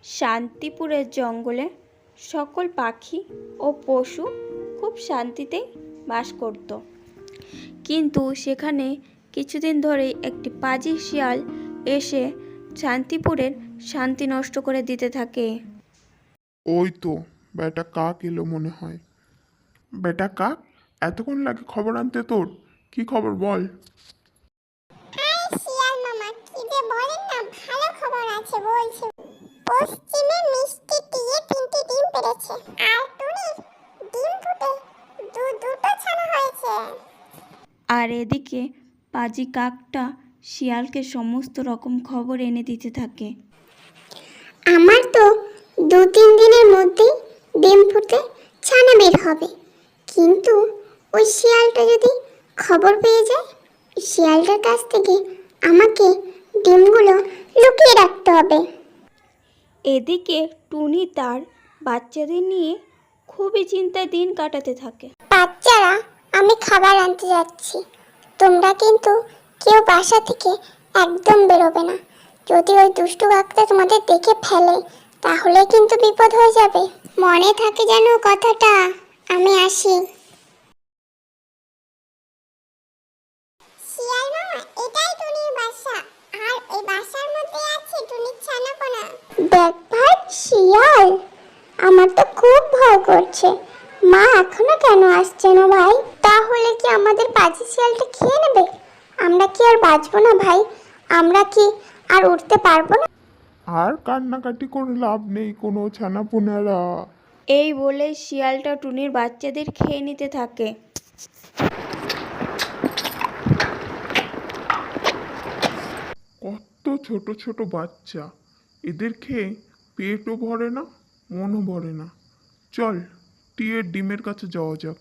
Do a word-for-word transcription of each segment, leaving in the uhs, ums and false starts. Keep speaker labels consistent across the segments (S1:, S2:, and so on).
S1: শান্তিপুরের জঙ্গলে সকল পাখি ও পশু খুব শান্তিতেই বাস করত। কিন্তু সেখানে কিছুদিন ধরেই একটি পাজি শিয়াল এসে শান্তিপুরের শান্তি নষ্ট করে দিতে থাকে।
S2: ওই তো বেটা কাক এলো মনে হয়। বেটা কাক, এতক্ষণ লাগে খবর আনতে তোর? কি খবর বল?
S3: শিয়াল মামা, কি যে বলেন না, ভালো খবর আছে বলছি। পশ্চিমে মিষ্টি টিয়ে তিনটি ডিম পেড়েছে, আর টুনির ডিম ফুটে দু দুটো ছানা হয়েছে।
S1: আর এদিকে পাজি কাকটা শিয়ালকে সমস্ত রকম খবর এনে দিতে থাকে।
S3: আমার তো দু তিন দিনের মধ্যেই ডিম ফুটে ছানা বের হবে, কিন্তু ওই শিয়ালটা যদি খবর পেয়ে যায়, শিয়ালটার কাছ থেকে আমাকে ডিমগুলো লুকিয়ে রাখতে হবে।
S1: এদিকে টুনি তার বাচ্চাদের নিয়ে খুবই চিন্তায় দিন কাটাতে থাকে।
S3: বাচ্চারা, আমি খাবার আনতে যাচ্ছি, তোমরা কিন্তু কেউ বাসা থেকে একদম বেরোবে না। যদি ওই দুষ্টু কাকটা তোমাদের দেখে ফেলে তাহলে কিন্তু বিপদ হয়ে যাবে। মনে থাকে যেন কথাটা। আমি আসি। শিয়াল মামা, এটাই টুনির বাসা, আর এই বাসার মধ্যে আছে টুনির ছানাপোনা। দেখ ভাই শিয়াল, আমার তো খুব ভয় করছে। মা এখনো কেন আসছে না ভাই? তাহলে কি আমাদের পাজি শিয়ালটা খেয়ে নেবে? আমরা কি আর বাঁচবো না ভাই? আমরা কি আর উঠতে পারবো না?
S2: আর কান্নাকাটি করে লাভ নেই কোনো ছানাপোনারা।
S1: এই বলে শিয়ালটা টুনির বাচ্চাদের খেয়ে নিতে থাকে।
S2: কত ছোট ছোট বাচ্চা, এদের খেয়ে পেটও ভরে না, মনও ভরে না। চল টিয়ের ডিমের কাছে যাওয়া যাক।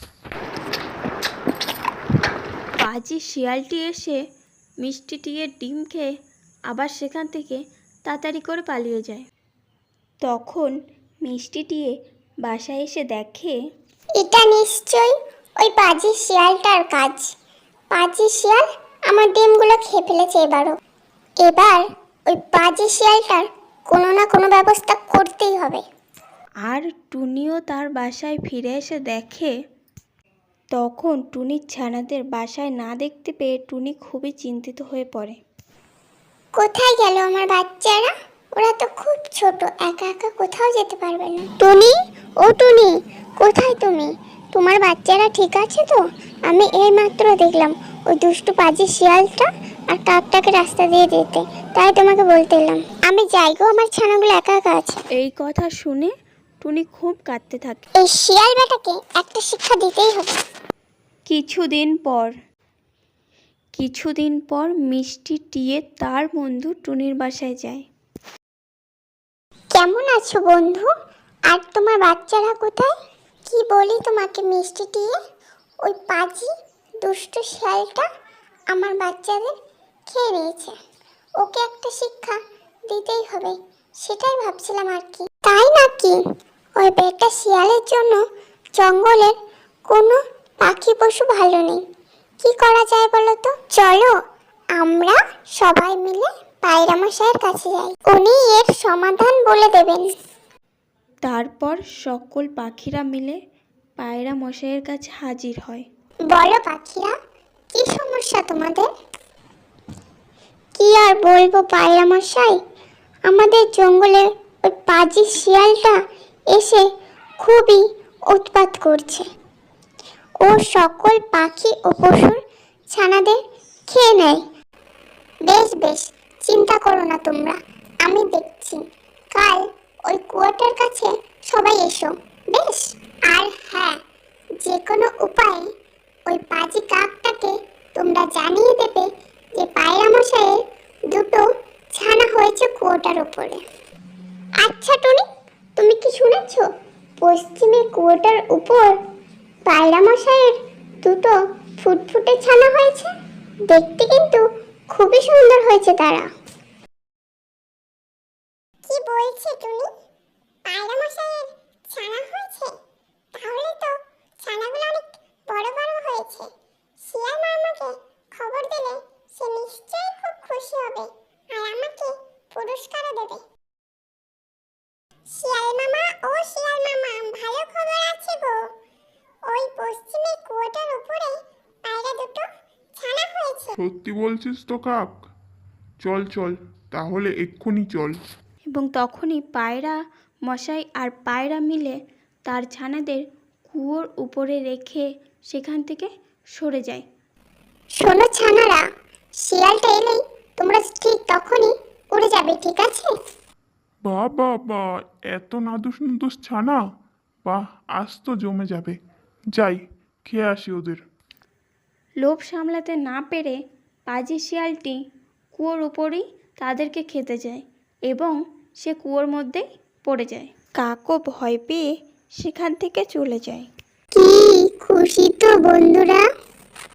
S1: পাজি শিয়ালটি এসে মিষ্টি টিয়ের ডিম খেয়ে আবার সেখান থেকে তাড়াতাড়ি করে পালিয়ে যায়। তখন মিষ্টি টিয়ে বাসায় এসে দেখে
S3: এটা নিশ্চয়ই ওই পাজি শিয়ালটার কাজ। পাজি শিয়াল আমার ডিমগুলো খেয়ে ফেলেছে এবারও। এবার ওই পাজি শিয়ালটার কোনো না কোনো ব্যবস্থা করতেই হবে।
S1: আর টুনিও তার বাসায় ফিরে এসে দেখে। তখন টুনির ছানাদের বাসায় না দেখতে পেয়ে টুনি খুবই চিন্তিত হয়ে পড়ে।
S3: কোথায় গেল আমার বাচ্চারা? ওরা তো খুব ছোট, একা একা কোথাও যেতে পারবে না। টুনি, ও টুনি, কোথায় তুমি? তোমার বাচ্চারা ঠিক আছে তো? আমি এই মাত্র দেখলাম ওই দুষ্টু পাজি শিয়ালটা আর কাকটাকে রাস্তা দিয়ে যেতে, তাই তোমাকে বলতে এলাম। আমি যাই গো, আমার ছানাগুলো একা একা আছে।
S1: এই কথা শুনে টুনি খুব কাঁদতে থাকে।
S3: এই শিয়াল বেটাকে একটা শিক্ষা দিতেই হবে।
S1: কিছুদিন পর কিছুদিন পর মিষ্টি টিয়ে তার বন্ধু টুনির বাসায় যায়।
S3: কেমন আছো বন্ধু? আর তোমার বাচ্চারা কোথায়? কি বলি তোমাকে মিষ্টি টিয়ে, ওই পাজি দুষ্টু শিয়ালটা আমার বাচ্চাদের খেয়ে নিয়েছে। ওকে একটা শিক্ষা দিতেই হবে, সেটাই ভাবছিলাম আর কি। তাই নাকি? ওই বেটা শিয়ালের জন্য জঙ্গলের কোনো পাখি পশু ভালো নেই। কি করা যায় বলো তো? চলো আমরা সবাই মিলে পায়রা মশাইয়ের কাছে যাই, উনি এর সমাধান বলে দেবেন।
S1: তারপর সকল পাখিরা মিলে পায়রা মশাইয়ের কাছে হাজির হয়।
S3: বলো পাখিরা, কি সমস্যা তোমাদের? কি আর বলবো পায়রা মশাই, আমাদের জঙ্গলে ওই পাজি শিয়ালটা এসে খুবই উৎপাত করছে। ও সকল পাখি ও পশুর ছানাদের খেয়ে নেয়। বেশ বেশ, চিন্তা করো না তোমরা, আমি দেখছি। কাল ওই কুয়াটার কাছে সবাই এসো, বেশ? আর হ্যাঁ, যে কোনো উপায়ে ওই পাজি কাকটাকে তোমরা জানিয়ে দেবে যে পায়রা মশাইয়ের দুটো ছানা হয়েছে কুয়োটার উপরে। আচ্ছা টুনি, তুমি কি শুনেছো পশ্চিমে কুয়োটার উপর পায়রা মশাইয়ের দুটো ফুটফুটে ছানা হয়েছে? দেখতে কিন্তু খুবই সুন্দর হয়েছে তারা। কি বলছে টুনি? পায়রা মশাইয়ের ছানা হয়েছে? তাহলে তো ছানাগুলো অনেক বড় বড় হয়েছে। শিয়াল মামাকে খবর দিলে সে নিশ্চয়ই খুব খুশি হবে আর আমাকে পুরস্কারও দেবে। শিয়াল মামা ও শিয়াল মামা, ভালো খবর আছে গো। ওই পশ্চিমে কুয়োটার উপরে পায়রা দুটো ছানা হয়েছে।
S2: সত্যি বলছিস তো কাক? চল চল, তাহলে এক্ষুনি চল।
S1: এবং তখনই পায়রা মশাই আর পায়রা মিলে তার ছানাদের কুয়োর উপরে রেখে সেখান থেকে সরে যায়।
S3: শোনো ছানারা, শিয়ালটা এলেই তোমরা ঠিক তখনই উড়ে যাবে, ঠিক আছে?
S2: বা বা বা, এত নাদুস নুদুস ছানা! বাহ, আজ তো জমে যাবে। যাই, খেয়ে আসি ওদের।
S1: লোভ সামলাতে না পেরে পাজি শিয়ালটি কুয়োর উপরেই তাদেরকে খেতে যায় এবং সে কুয়োর মধ্যেই পড়ে যায়। কাকও ভয় পেয়ে সেখান থেকে চলে যায়।
S3: কি খুশি তো বন্ধুরা?